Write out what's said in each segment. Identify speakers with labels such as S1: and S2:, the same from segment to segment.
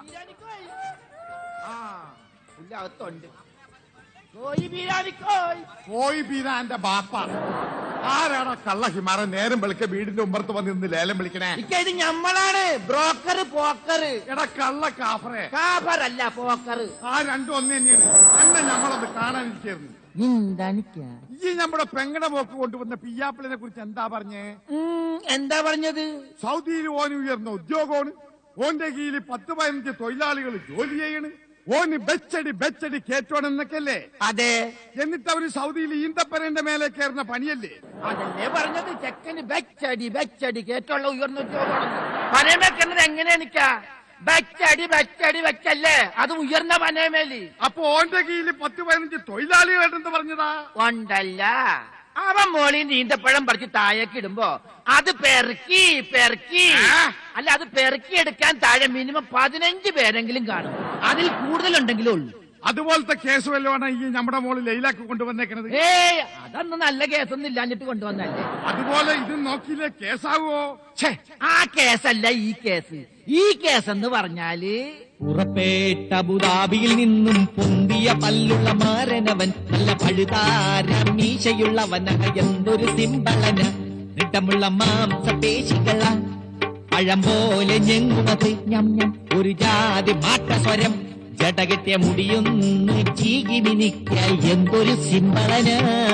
S1: കോയി ബീരാന്റെ ബാപ്പ ആരാണ് കള്ള ഹിമാറ നേരം വിളിക്ക വീടിന്റെ ഉമ്പറത്ത് വന്നിരുന്ന് ലേലം വിളിക്കണേ?
S2: ഇത് ഞമ്മളാണ് ബ്രോക്കർ പോക്കർ.
S1: എടാ കള്ള കാഫറേ.
S2: കാഫറല്ല പോക്കർ.
S1: ആ രണ്ടും ഒന്ന് തന്നെയാണ്. അന്നെ ഞമ്മളൊന്ന് കാണാനിരിക്കായിരുന്നു. ഈ നമ്മുടെ പെങ്ങടെ പോക്ക് കൊണ്ടുവന്ന പിയ്യാപ്പിളിനെ കുറിച്ച് എന്താ പറഞ്ഞേ?
S2: എന്താ പറഞ്ഞത്?
S1: സൗദിയിൽ ഓന് ഉയർന്ന ഉദ്യോഗമാണ്, ഓന്റെ കീഴിൽ 10-15 തൊഴിലാളികൾ ജോലി ചെയ്യണ്, ഓന് ബെച്ചടി കേറ്റോണെന്നൊക്കെയല്ലേ?
S2: അതെ.
S1: എന്നിട്ട് അവര് സൗദിയിൽ ഈന്തപ്പനന്റെ മേലെ കയറുന്ന പണിയല്ലേ?
S2: അതല്ലേ പറഞ്ഞത്. ചെക്കന് ബെച്ചടി കേറ്റുള്ള ഉയർന്ന ഉദ്യോഗമാണെന്ന് പനയമേക്കുന്നത് എങ്ങനെ നിക്കാ? ബെച്ചടി വെച്ചല്ലേ, അത് ഉയർന്ന പനയമേലി.
S1: അപ്പൊ ഓന്റെ കീഴിൽ 10-15 തൊഴിലാളികളുണ്ടെന്ന് പറഞ്ഞതാ?
S2: ഉണ്ടല്ല. അവൻ മോളി നീന്തപ്പഴം പറിച്ച് താഴേക്ക് ഇടുമ്പോ അത് പെറുക്കി അല്ല, അത് പെറുക്കിയെടുക്കാൻ താഴെ മിനിമം 15 പേരെങ്കിലും കാണും. അതിൽ കൂടുതലുണ്ടെങ്കിലേ ഉള്ളൂ.
S1: അതുപോലത്തെ കേസ് വല്ലതാണ് ഈ നമ്മുടെ മോള് ലൈലാക്ക് കൊണ്ടുവന്നേക്കണത്?
S2: അതൊന്നും നല്ല കേസൊന്നും ഇല്ലാഞ്ഞിട്ട് കൊണ്ടുവന്നല്ലേ.
S1: അതുപോലെ ഇത് നോക്കിയില്ലേ കേസാവോ?
S2: ആ കേസല്ല ഈ കേസ്. ഈ കേസ് എന്ന് പറഞ്ഞാല്
S3: പുറപ്പെട്ട അബുദാബിയിൽ നിന്നും പൊന്തിയ പല്ലുള്ള മാരനവൻ, നല്ല പഴുതാര മീശയുള്ളവന, എന്തൊരു സിമ്പളന, നിട്ടമുള്ള മാംസപേശികള, പഴം പോലെ ഞെങ്ങുമത് ഞം ഞം, ഒരു ജാതി മാറ്റസ്വരം, ജടകെട്ടിയ മുടിയൊന്ന് ചീകി മിനിക്ക, എന്തൊരു സിമ്പളന.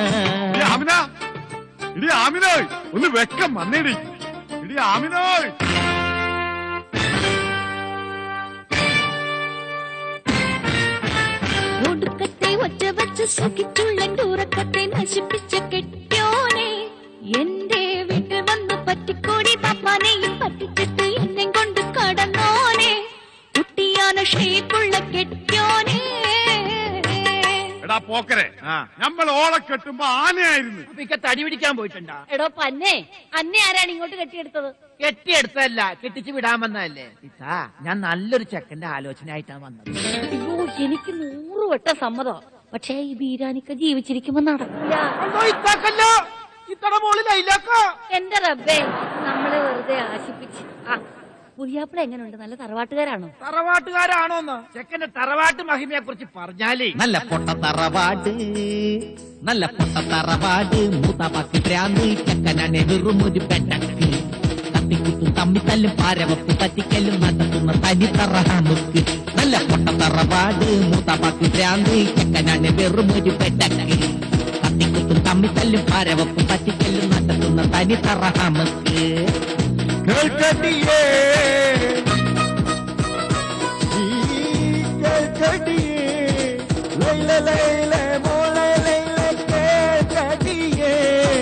S1: ആമിനോയ് ഒന്ന് വെക്കം വന്നേടി. ഇടി ആമിനോയ്.
S4: ഒടുക്കത്തെ ഒറ്റ വച്ച് സുഖിച്ചുള്ളെന്റെ ഉറക്കത്തെ നശിപ്പിച്ച കെട്ടിയോനെ, എന്റെ വീട്ടിൽ വന്ന് പറ്റിക്കോടി പാപ്പാനെയും പറ്റിച്ചിട്ട് എന്നെ കൊണ്ട് കടന്നോനെ, കുട്ടിയാന ഷേപ്പുള്ള കെട്ടിയോനെ.
S1: എടാ പോക്കരെ, നമ്മൾ ഓളെ കെട്ടുമ്പോ ആനയായിരുന്നു.
S2: തടി പിടിക്കാൻ പോയിട്ടുണ്ടോ?
S4: എടോ പന്നെ, അന്നെ ആരാണ് ഇങ്ങോട്ട് കെട്ടിയെടുത്തത്?
S2: കെട്ടിയെടുത്തതല്ല, കെട്ടിച്ച് വിടാൻ വന്നതല്ലേ. ഞാൻ നല്ലൊരു ചെക്കന്റെ ആലോചനയായിട്ടാണ് വന്നത്.
S4: അയ്യോ, എനിക്ക് 100 വട്ടം സമ്മതം. പക്ഷേ ഈ ബീരാനിക്ക ജീവിച്ചിരിക്കുമ്പോ നടക്കില്ല. എന്റെ റബ്ബേ, നമ്മളെ വെറുതെ ആശിപ്പിച്ച്. പുതിയാപ്പിള എങ്ങനെയുണ്ട്? നല്ല തറവാട്ടുകാരാണോ?
S2: തറവാട്ടുകാരാണോന്ന് ചെക്കന്റെ തറവാട്ട് മഹിമയെ കുറിച്ച് പറഞ്ഞാലേ,
S3: നല്ല പൊട്ട തറവാട്, നല്ല പൊട്ട തറവാട്, മൂത്താപ്പാക്ക് ഭ്രാന്ത്, ചെക്കനാണ് വെറും ഒരു പെട്ടക്ക്, തട്ടിക്കുത്തും തമ്മിത്തല്ലും പാരവപ്പ് പറ്റിക്കല്ലും നടത്തുന്ന തനി തറഹാമുക്ക്. നല്ല പൊട്ട തറവാട്, മൂത്താപ്പാക്ക് ഭ്രാന്ത്, ചെക്കനാണ് വെറും ഒരു പെട്ടക്ക്, തട്ടിക്കുത്തും തമ്മിത്തല്ലും പാരവപ്പ് പറ്റിക്കല്ലും നടത്തുന്ന തനി തറഹാമുക്ക്.
S5: കേൾക്കടിയേ ലൈല ലൈല മോള ലൈല കേൾക്കടിയേ.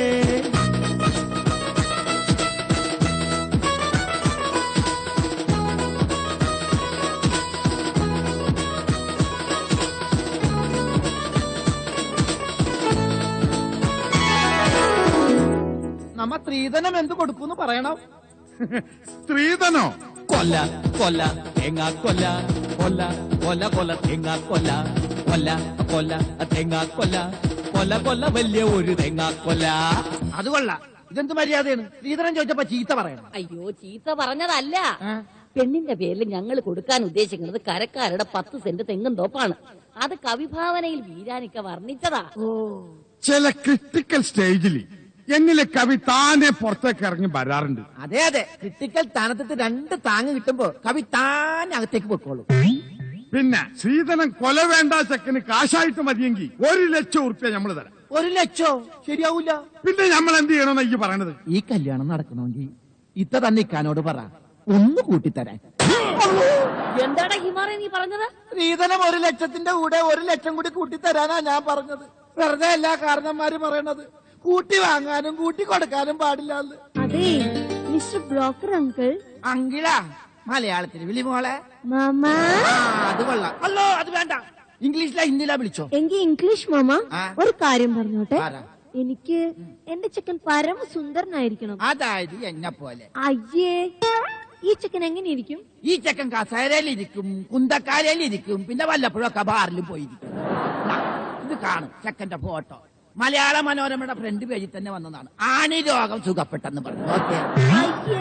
S2: നമ്മ സ്ത്രീധനം എന്ത് കൊടുക്കൂന്ന് പറയണം.
S1: സ്ത്രീധനോ?
S3: കൊല്ല കൊല്ല തേങ്ങ കൊല്ല, കൊല്ല കൊല്ല കൊല്ല തേങ്ങ കൊല്ല, കൊല്ല കൊല്ല തേങ്ങ കൊല്ല, കൊല്ല കൊല്ല വലിയ ഒരു തേങ്ങ കൊല്ല.
S2: അത് കൊള്ളാം. ഇതെന്ത് മര്യാദയാണ്? സ്ത്രീധനം ചോദിച്ചപ്പോ ചീത്ത പറയണം.
S4: അയ്യോ, ചീത്ത പറഞ്ഞതല്ല. പെണ്ണിന്റെ പേരിൽ ഞങ്ങൾ കൊടുക്കാൻ ഉദ്ദേശിക്കുന്നത് കരക്കാരുടെ 10 സെന്റ് തെങ്ങും തോപ്പാണ്. അത് കവിഭാവനയിൽ ബീരാനിക്ക വർണ്ണിച്ചതാ.
S1: ചില ക്രിട്ടിക്കൽ സ്റ്റേജിൽ എന്നിലെ കവി താനെ പുറത്തേക്ക് ഇറങ്ങി വരാറുണ്ട്.
S2: അതെ അതെ, ക്രിട്ടിക്കൽ സ്ഥാനത്ത് 2 താങ്ങ് കിട്ടുമ്പോ കവി താൻ അകത്തേക്ക് പൊക്കോളൂ.
S1: പിന്നെ ശ്രീധനം കൊല വേണ്ട ചെക്കന് കാശായിട്ട് മതിയെങ്കിൽ 1 ലക്ഷം ഉറുപ്പ്യ നമ്മൾ തരാം.
S2: 1 ലക്ഷം ശരിയാവൂല.
S1: പിന്നെ നമ്മൾ എന്ത് ചെയ്യണമെന്ന് ഈ പറയണത്?
S2: ഈ കല്യാണം നടക്കണമെങ്കിൽ ഇത്ത തന്നെ ഇക്കാനോട് പറ, ഒന്ന് കൂട്ടിത്തരാൻ.
S4: എന്താടാ ഹിമാറെ നീ പറഞ്ഞത്?
S2: സ്ത്രീധനം 1 ലക്ഷത്തിന്റെ കൂടെ 1 ലക്ഷം കൂടി കൂട്ടിത്തരാനാ ഞാൻ പറഞ്ഞത്. വെറുതെ എല്ലാ കാരണന്മാര് പറയണത്. കൂട്ടി വാങ്ങാനും കൂട്ടി കൊടുക്കാനും പാടില്ല.
S4: അതെ മിസ്റ്റർ ബ്രോക്കർ അങ്കിൾ.
S2: അങ്കിളാ? മലയാളത്തിൽ വിളി മോളെ.
S4: മാമ.
S2: അത് കൊള്ളാം. അല്ലോ, അത് വേണ്ട. ഇംഗ്ലീഷിലാ ഹിന്ദിയിലാ വിളിച്ചോ?
S4: എങ്കിൽ ഇംഗ്ലീഷ് മാമ. ഒരു കാര്യം പറഞ്ഞോട്ടെ,
S2: ആരാ?
S4: എനിക്ക് എന്റെ ചെക്കൻ പരമസുന്ദരനായിരിക്കണം.
S2: അതായത് എന്നെ പോലെ.
S4: അയ്യേ, ഈ ചെക്കൻ എങ്ങനെയിരിക്കും?
S2: ഈ ചെക്കൻ കസേരയിലിരിക്കും, കുന്തക്കാരയിലിരിക്കും, പിന്നെ വല്ലപ്പോഴൊക്കെ ബാറിലും പോയിരിക്കും. ഇത് കാണും ചെക്കന്റെ ഫോട്ടോ. മലയാള മനോരമയുടെ ഫ്രണ്ട് പേജിൽ തന്നെ വന്നതാണ്. ആണി രോഗം സുഖപ്പെട്ടെന്ന് പറഞ്ഞു. ഓക്കെ.
S4: അയ്യേ,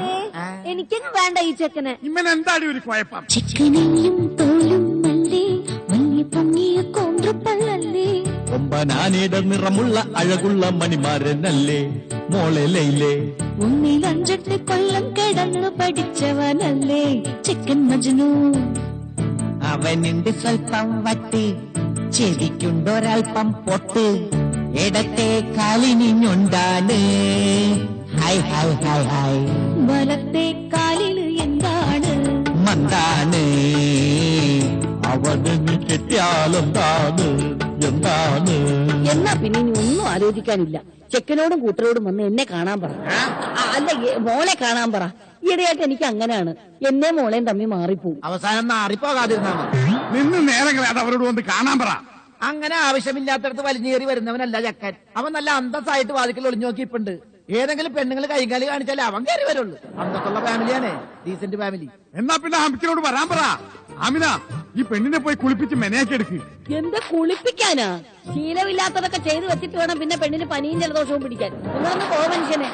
S4: എനിക്കങ്ങ് വേണ്ട ഈ ചെക്കനെ.
S1: ഇമ്മനെന്താടി ഒരു കുഴപ്പം?
S6: ചിക്കനെയും തോലും അല്ലേ മഞ്ഞ പൊങ്ങിയ കോന്ത്രപ്പല്ലല്ലേ
S5: കൊമ്പനാനയുടെ നിറമുള്ള അഴകുള്ള മണിമാരനല്ലേ മോളെ ലൈലേ.
S6: ഒന്നിൽ 5-8 കൊല്ലം കിടന്നു പഠിച്ചവനല്ലേ ചിക്കൻ മജ്നു.
S3: അവനുണ്ട് സ്വൽപ്പം വട്ട്, ചെവിക്കുണ്ടൊരൽപ്പം പൊട്ട്, ഇടത്തെ കാലിനിഞ്ഞുണ്ടാണ്. ഹായ് ഹായ് ഹായ് ഹായ്
S6: വലത്തെ കാലിൽ എന്താണ്
S3: മന്താണ്.
S5: അവന് നീ കെട്ടിയാലെന്താണ് എന്താണ്?
S4: എന്നാ പിന്നെ ഇനി ഒന്നും ആലോചിക്കാനില്ല. ചെക്കനോടും കൂട്ടരോടും വന്ന് എന്നെ കാണാൻ പറ. അല്ല, മോളെ കാണാൻ പറ. ഈയിടെയായിട്ട് എനിക്ക് അങ്ങനെയാണ്, എന്നെ മോളെയും തമ്മി മാറിപ്പോവും.
S2: അവസാനം മാറിപ്പോകാതിരുന്നാ മതി.
S1: നിന്ന് നേരങ്ങളെ അത് അവരോട് വന്ന് കാണാൻ പറ.
S2: അങ്ങനെ ആവശ്യമില്ലാത്തടത്ത് വലിഞ്ഞേറി വരുന്നവനല്ല ചക്കൻ. അവൻ നല്ല അന്തസ്സായിട്ട് വാതിക്കൽ ഒളിഞ്ഞു നോക്കിയിട്ടുണ്ട്. ഏതെങ്കിലും പെണ്ണുങ്ങൾ കൈകാലി കാണിച്ചാലേ അവൻ കയറി വരുള്ളൂ. അന്തസ്സുള്ള ഫാമിലിയാണ്, ഡീസന്റ് ഫാമിലി.
S1: എന്നാ പിന്നെ ഹമിക്കിനോട് വരാൻ പറ. ആമിന, ഈ പെണ്ണിനെ പോയി കുളിപ്പിച്ച് മെനയാക്കി എടുക്ക്.
S4: എന്താ കുളിപ്പിക്കാനാ? ശീലമില്ലാത്തതൊക്കെ ചെയ്തു വെച്ചിട്ട് വേണം പിന്നെ പെണ്ണിന് പനിയും ജലദോഷവും പിടിക്കാൻ. നിങ്ങളൊന്ന് പോ മനുഷ്യനെ.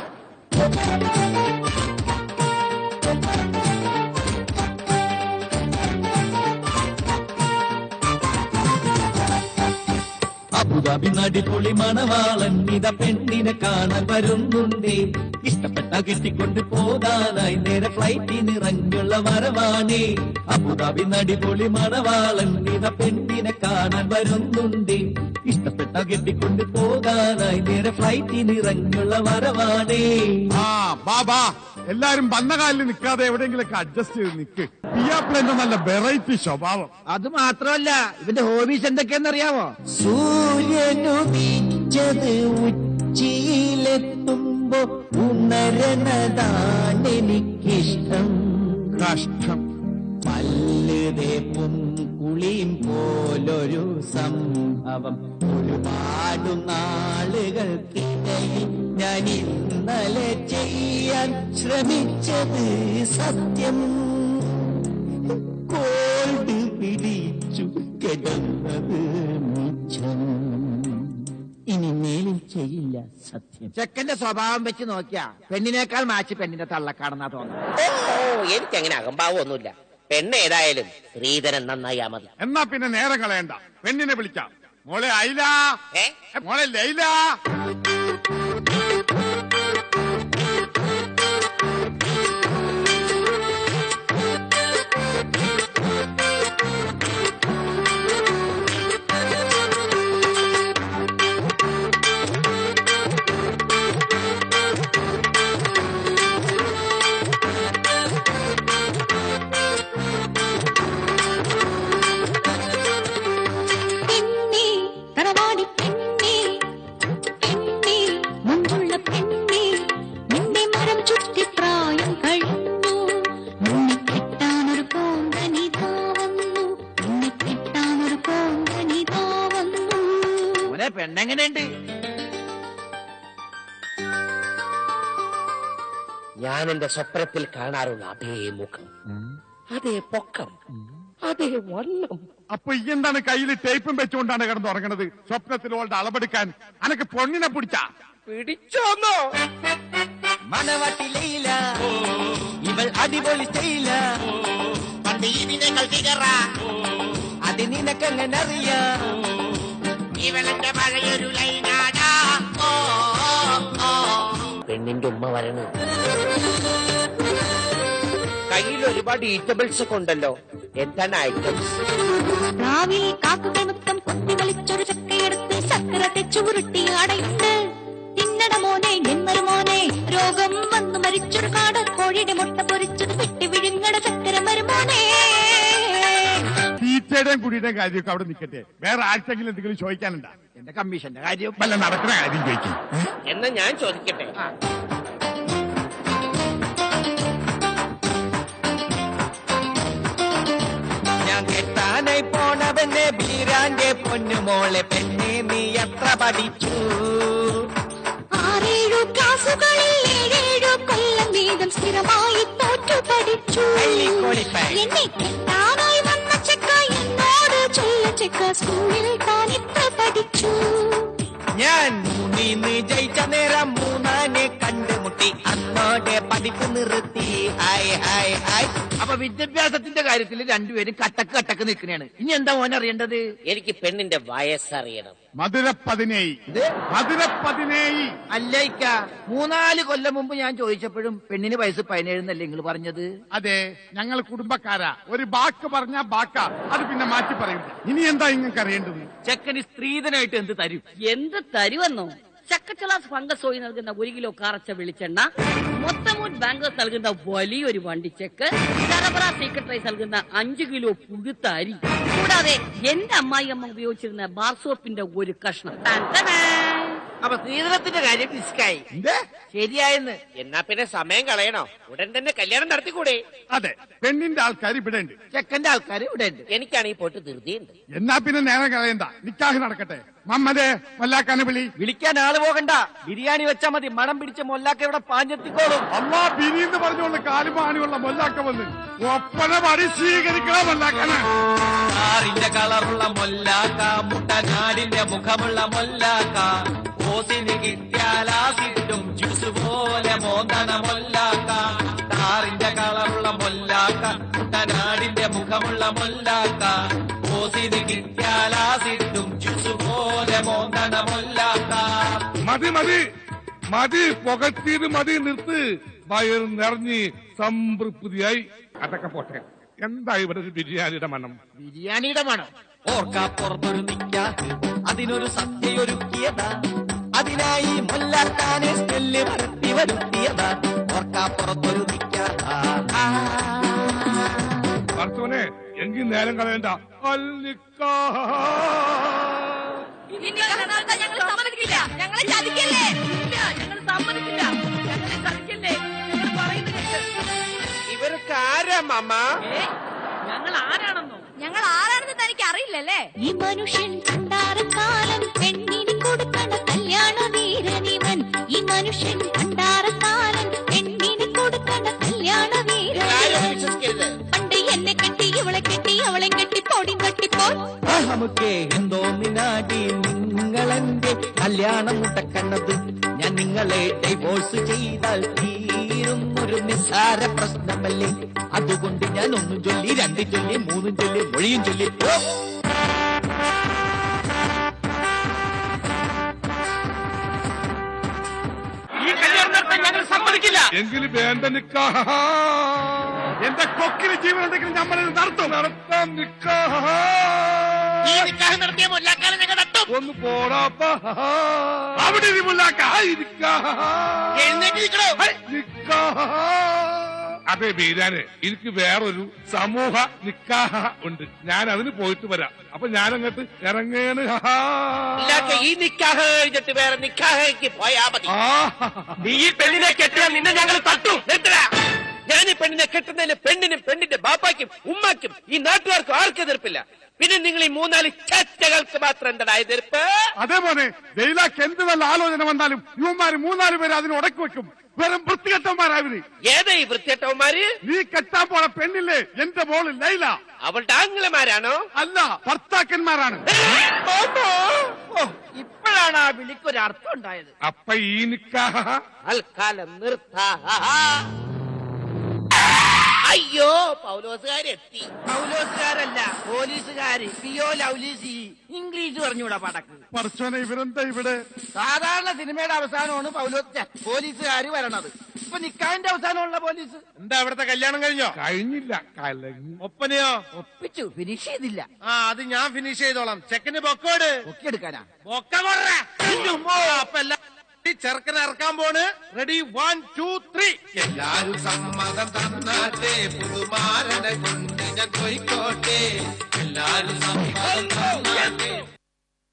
S5: അബുദാബി നടിപൊളി മണവാളൻ ഇത പെണ്ണിനെ കാണാൻ വരുന്നുണ്ട്. ഇഷ്ടപ്പെട്ട കെട്ടിക്കൊണ്ട് പോകാനായി നേരെ ഫ്ലൈറ്റിനിറങ്ങുള്ള വരവാണ്. അബുദാബി നടിപൊളി മണവാളൻ ഇത പെണ്ണിനെ കാണാൻ വരുന്നുണ്ട്. ഇഷ്ടപ്പെട്ട കെട്ടിക്കൊണ്ട് പോകാനായി നേരെ ഫ്ലൈറ്റിനിറങ്ങുള്ള വരവാണ്.
S1: ആ ബാബാ, എല്ലാരും വന്ന കാലിൽ നിൽക്കാതെ എവിടെയെങ്കിലൊക്കെ അഡ്ജസ്റ്റ് ചെയ്ത് നിൽക്ക്. പിയാപ്പിളന്റെ നല്ല വെറൈറ്റി സ്വഭാവം.
S2: അത് മാത്രമല്ല, ഇവന്റെ ഹോബീസ് എന്തൊക്കെയാണെന്നറിയാമോ?
S3: സൂര്യനുദിച്ചത് ഉച്ചിയിലെത്തുമ്പോ ഉണരണതാണെനിക്കിഷ്ടം.
S1: കഷ്ടം.
S3: പല്ലുതേപ്പും കുളിയും പോലൊരു സംഭവം ഒരുപാട് നാളുകൾക്കിടയിൽ ഞാൻ ഇന്നലെ ചെയ്യാൻ ശ്രമിച്ചത് സത്യം. കോൾഡ് പിടിച്ചു കിടന്നത് മിച്ചം. ഇനി മേലിൽ ചെയ്യില്ല സത്യം.
S2: ചെക്കന്റെ സ്വഭാവം വെച്ച് നോക്കിയാ പെണ്ണിനേക്കാൾ മാച്ച് പെണ്ണിന്റെ തള്ളക്കാണെന്നാ തോന്നുന്നു.
S7: ഓ എനിക്കങ്ങനെ അകമ്പാവൊന്നുമില്ല. പെണ്ണ് ഏതായാലും ശ്രീധരൻ നന്നായാ മതി.
S1: എന്നാ പിന്നെ നേരം കളയണ്ട, പെണ്ണിനെ വിളിക്കാം. മോളെ ഐല,
S7: ഏ?
S1: മോളെ ലൈല.
S6: പെണ്ണേ തറവാടി പെണ്ണേ പെണ്ണേ മുഞ്ചുള്ള പെണ്ണേ നിന്റെ മരം ചുറ്റി പ്രായം കഴിഞ്ഞു. നിന്നെ കെട്ടാനൊരു കോന്തനിതാവന്നു നിന്നെ കെട്ടാനൊരു കോന്തനിതാവന്നു.
S2: മോനെ പെണ്ണെങ്ങനെയുണ്ട്?
S7: ഞാൻ എന്റെ സ്വപ്നത്തിൽ കാണാറുള്ള അതേ മുഖം, അതേ പൊക്കം, അതേ വണ്ണം.
S1: അപ്പൊ ഈ എന്താണ് കയ്യിൽ ടേപ്പും വെച്ചുകൊണ്ടാണ് കിടന്ന് ഉറങ്ങണത്? സ്വപ്നത്തിൽ ഓളുടെ അളവെടുക്കാൻ അനക്ക് പൊണ്ണിനെ പിടിച്ചാ
S7: പിടിച്ചോന്നോ?
S5: മണവാട്ടിലയില ഇവൾ അടിപൊളി സ്റ്റൈല.
S7: പണ്ട് ഇതിനേക്കാൾ ഫിഗറ
S5: അത് നിനക്കെങ്ങനെ അറിയാം?
S7: ഇവളെന്റെ പഴയൊരു ലൈനാടാ. പെണ്ണിന്റെ ഉമ്മ വരണു. കയ്യിൽ ഒരുപാട് ഈറ്റബിൾസ് ഒക്കെ ഉണ്ടല്ലോ. എന്താണ് ഐറ്റംസ്?
S6: രാവിലെ കാക്കുകൾ മൊത്തം കൊത്തി വലിച്ചൊരു ചക്കയെടുത്ത് ചക്കര തെച്ചു ഉരുട്ടി അടയിട്ട് തിന്നട മോനെ എന്നൊരു മോനെ. രോഗം വന്നു മരിച്ചൊരു കാട് കോഴിയുടെ മുട്ട പൊരിച്ചത് വെട്ടി വിഴുങ്ങട ചക്കര മരുമോനെ.
S1: തീറ്റയുടെയും കുടിയുടെയും കാര്യമൊക്കെ അവിടെ നിൽക്കട്ടെ. വേറെ ആർക്കെങ്കിലും എന്തെങ്കിലും ചോദിക്കാനുണ്ടാ?
S2: എന്റെ കമ്മീഷന്റെ കാര്യം
S1: വല്ല നടക്കുന്ന കാര്യം ചോദിക്കും.
S7: എന്നാ ഞാൻ ചോദിക്കട്ടെ.
S5: ഞാൻ കെട്ടാനായി പോണവന്റെ ബീരാന്റെ പൊന്നുമോളെ പെണ്ണെ നീ എത്ര പഠിച്ചു?
S6: 6-7 ക്ലാസുകളിൽ 7 കൊല്ലം വീതം സ്ഥിരമായി തോറ്റു പഠിച്ചു.
S5: കള്ളിക്കോളിപ്പൻ.
S6: എന്നെ കെട്ടാനായി വന്ന ചെക്ക എന്നോട് ചൊല്ല ചെക്ക സ്കൂളിൽ താൻ ഇത്ര പഠിച്ചു.
S5: ഞാൻ 3 ജയിച്ച നേരം 3 കണ്ടുമുട്ടി. അന്നോടെ പഠിപ്പ് നിർത്തി. ഹായ് ഹായ് ഹായ്.
S2: അപ്പൊ വിദ്യാഭ്യാസത്തിന്റെ കാര്യത്തിൽ രണ്ടുപേരും കട്ടക്ക് നിൽക്കണേണ്. ഇനി എന്താ മോൻ അറിയേണ്ടത്?
S7: എനിക്ക് പെണ്ണിന്റെ വയസ്സറിയണം.
S1: മധുര 17.
S2: അല്ല ഇക്ക, 3-4 കൊല്ലം മുമ്പ് ഞാൻ ചോദിച്ചപ്പോഴും പെണ്ണിന് വയസ്സ് 17 എന്നല്ലേ നിങ്ങൾ പറഞ്ഞത്?
S1: അതെ, ഞങ്ങൾ കുടുംബക്കാരാ. ഒരു ബാക്ക് പറഞ്ഞാ ബാക്ക, അത് പിന്നെ മാറ്റി പറയില്ല. ഇനി എന്താ നിങ്ങൾക്ക് അറിയേണ്ടത്?
S2: ചെക്കന് സ്ത്രീധനായിട്ട് എന്ത് തരും?
S4: എന്ത് തരുമെന്നോ? ചക്കച്ചലാസ് ഫംഗസ് ഓയിൽ നൽകുന്ന 1 കിലോ കാറച്ച വെളിച്ചെണ്ണ, മൊത്തമൂൻ ബാങ്കേഴ്സ് നൽകുന്ന വലിയൊരു വണ്ടിച്ചെക്ക്, ചരബറ സീക്രട്ട് റൈസ് നൽകുന്ന 5 കിലോ പുഴുത്ത അരി, കൂടാതെ എന്റെ അമ്മായിയമ്മ ഉപയോഗിച്ചിരുന്ന ബാർ സോപ്പിന്റെ ഒരു കഷ്ണം.
S2: അപ്പൊ സ്ത്രീധനത്തിന്റെ കാര്യം ഡിസ്കായി. ശരിയായെന്ന്.
S7: എന്നാ പിന്നെ സമയം കളയണോ? ഉടൻ തന്നെ കല്യാണം നടത്തിക്കൂടെ?
S1: അതെ, പെണ്ണിന്റെ ആൾക്കാർ ഇവിടെ ഉണ്ട്,
S2: ചെക്കന്റെ ആൾക്കാർ ഇവിടെ ഉണ്ട്.
S7: എനിക്കാണെങ്കിൽ പോയിട്ട് ധൃതിയുണ്ട്.
S1: എന്നാ പിന്നെ നേരം കളയണ്ട, നിക്കാഹ് നടക്കട്ടെ. മമ്മദേ, മല്ലാക്കാനെ വിളി.
S5: വിളിക്കാൻ ആള് പോകണ്ട, ബിരിയാണി വെച്ചാ മതി. മണം പിടിച്ച മൊല്ലാക്ക ഇവിടെ പാഞ്ഞെത്തിക്കോളും.
S1: അമ്മാ ബിരിന്ന് പറഞ്ഞുകൊണ്ട് കാലുമാണിയുള്ള മൊല്ലാക്ക വന്ന് ഒപ്പന പാടി സ്വീകരിക്കണ മൊല്ലാക്കനെ.
S5: കാറിന്റെ കളറുള്ള മൊല്ലാക്ക, മുട്ടനാടിന്റെ മുഖമുള്ള മൊല്ലാക്ക, ഓസിന് കിട്ടിയാലാസിട്ടും ജ്യൂസ് പോലെ മോന്തണ മൊല്ലാക്ക. കാറിന്റെ കളറുള്ള മൊല്ലാക്ക, മുട്ടനാടിന്റെ മുഖമുള്ള മൊല്ലാക്ക, ഓസിന് കിട്ടിയാലാസിട്ടും ജ്യൂസ് പോലെ മോന്തണ മൊല്ലാക്ക.
S8: മതി മതി മതി, പുകച്ചീത് മതി, നിർത്ത്. വയർ നിറഞ്ഞ് സംതൃപ്തിയായി. അതൊക്കെ പോട്ടെ, എന്താ ഇവിടെ ഒരു ബിരിയാണിയുടെ മണം?
S2: ബിരിയാണിയുടെ മണം.
S5: ഓർക്കാപ്പുറത്തൊരു നിക്കാഹ്, അതിനൊരു സദ്യയൊരുക്കിയതാ. അതിനായി മൊല്ലാക്കാനെ സ്മെല്ല് പരത്തി വരുത്തിയതാ. ഓർക്കാപ്പുറത്തൊരു നിക്കാഹ്.
S8: ഭർത്തവനെ, എങ്കിൽ നേരം കളയണ്ട.
S4: ഞങ്ങൾ സമ്മതിക്കില്ല, ഞങ്ങളെ ചതിക്കല്ലേ, ഞങ്ങൾ സമ്മതിക്കില്ല, ഞങ്ങളെ ചതിക്കല്ലേ, ഞങ്ങൾ പറയുന്നത് കേൾക്ക്.
S7: ഇവർക്ക് ആരാ മമ്മ?
S4: ഞങ്ങൾ ആരാണെന്നോ?
S6: ഞങ്ങൾ ആരാണെന്ന് തനിക്ക് അറിയില്ലല്ലേ? ഈ മനുഷ്യൻ പണ്ടാരക്കാലം പെണ്ണിന് കൊടുക്കണ കല്യാണ വീരനിവൻ. ഈ മനുഷ്യൻ പണ്ടാരക്കാലം പെണ്ണിന് കൊടുക്കണ കല്യാണ
S7: ആരും
S6: വീരനിവൻ.
S7: വിശ്വസിക്കരുത്.
S6: പണ്ട് എന്നെ കെട്ടി ഇവളെ കെട്ടി അവളെ കെട്ടി പോടി കെട്ടിപ്പോ.
S5: നമുക്ക് എന്തോ നിനാടി നിങ്ങളെന്റെ കല്യാണം മുട്ടക്കണ്ണത്. ഞാൻ നിങ്ങളെ ഡൈവോഴ്സ് ചെയ്താൽ തീരും ഒരു നിസ്സാര പ്രശ്നമല്ലേ. അതുകൊണ്ട് ഞാൻ 1 ചൊല്ലി 2 ചൊല്ലി 3 ചൊല്ലി മൊഴിയും ചൊല്ലി
S2: ഈ കല്യാണം നടത്താൻ ഞങ്ങൾ സമ്മതിക്കില്ല.
S8: എങ്കിൽ വേണ്ട നിക്കാഹ്.
S1: എന്റെ കൊക്കിന് ജീവൻ ഉണ്ടെങ്കിൽ നമ്മളിത് നടത്തും.
S8: നടത്താം നിക്കാഹ്.
S2: ഈ നിക്കാഹ് നടത്തിയ മൊല്ലാക്കാനെ ഞങ്ങൾ തട്ടും.
S8: ഒന്ന് പോടാപ്പ.
S1: അവിടെ ഇരി മുല്ലാക്ക.
S2: എഴുന്നേറ്റിരിക്കണോ?
S8: നിക്കാഹ്. അതെ ബീരാനെ, എനിക്ക് വേറൊരു സമൂഹ നിക്കാഹ ഉണ്ട്. ഞാൻ അതിന് പോയിട്ട് വരാം. അപ്പൊ ഞാനങ്ങോട്ട് ഇറങ്ങേണ്.
S7: ഈ നിക്കാഹ് കഴിഞ്ഞിട്ട് വേറെ നിക്കാഹയ്ക്ക് പോയാ മതി.
S5: നീ ഈ പെണ്ണിനെ കെട്ടിയാൽ നിന്നെ ഞങ്ങൾ തട്ടും.
S7: നിർത്തടാ. ഞാൻ ഈ പെണ്ണിനെ കെട്ടുന്നതിന് പെണ്ണിനും പെണ്ണിന്റെ ബാപ്പാക്കും ഉമ്മാക്കും ഈ നാട്ടുകാർക്കും ആർക്കും എതിർപ്പില്ല. പിന്നെ നിങ്ങൾ ഈ 3-4 ചറ്റകൾക്ക് മാത്രം എന്താ എതിർപ്പ്?
S1: അതേപോലെ ജയിലാക്ക് എന്ത് നല്ല ആലോചന വന്നാലും ഇവന്മാര് 3-4 പേര് അതിന് ഉടക്കി വെക്കും. വെറും വൃത്തികെട്ടവന്മാരാവര്.
S7: ഏതാ ഈ വൃത്തികെട്ടവന്മാര്?
S1: നീ കെട്ടാൻ പോണ പെണ്ണില്ലേ എന്റെ മോള് ലൈല,
S7: അവളുടെ ആംഗലമാരാണോ?
S1: അല്ല, ഭർത്താക്കന്മാരാണ്.
S2: ഇപ്പോഴാണ് ആ വിളിക്കൊരു അർത്ഥം ഉണ്ടായത്.
S8: അപ്പൊ ഈ നിക്കാഹ
S7: തൽക്കാലം നിർത്താ. അയ്യോ, പൗലോസുകാരെത്തി.
S2: പൗലോസുകാരല്ല, പോലീസുകാര്. പിയോ ലൗലീസി. ഇംഗ്ലീഷ് പറഞ്ഞൂടാ പടക്ക്.
S1: പടച്ചോനെ, ഇവരെന്താ ഇവിടെ?
S2: സാധാരണ സിനിമയുടെ അവസാനമാണ് പോലീസുകാര് വരണത്. ഇപ്പൊ നിക്കാഹിന്റെ അവസാനമുള്ള പോലീസ്.
S5: എന്താ ഇവിടത്തെ കല്യാണം കഴിഞ്ഞോ?
S8: കഴിഞ്ഞില്ല, കലങ്ങി.
S5: ഒപ്പനയോ?
S2: ഒപ്പിച്ചു, ഫിനിഷ് ചെയ്തില്ല.
S5: അത് ഞാൻ ഫിനിഷ് ചെയ്തോളാം. ചെക്കന് ബൊക്കോട്
S2: ഒക്കെടുക്കാനാ.
S5: ബൊക്ക അപ്പൊ എല്ലാം ചെറുക്കനെ ഇറക്കാൻ പോണ്. റെഡി 1 2 3. എല്ലാരും സമ്മതം തന്നാട്ടെ, പുതുമാരനെ കൊണ്ട് ഞാൻ പോയിക്കോട്ടെ. എല്ലാരും സമ്മതം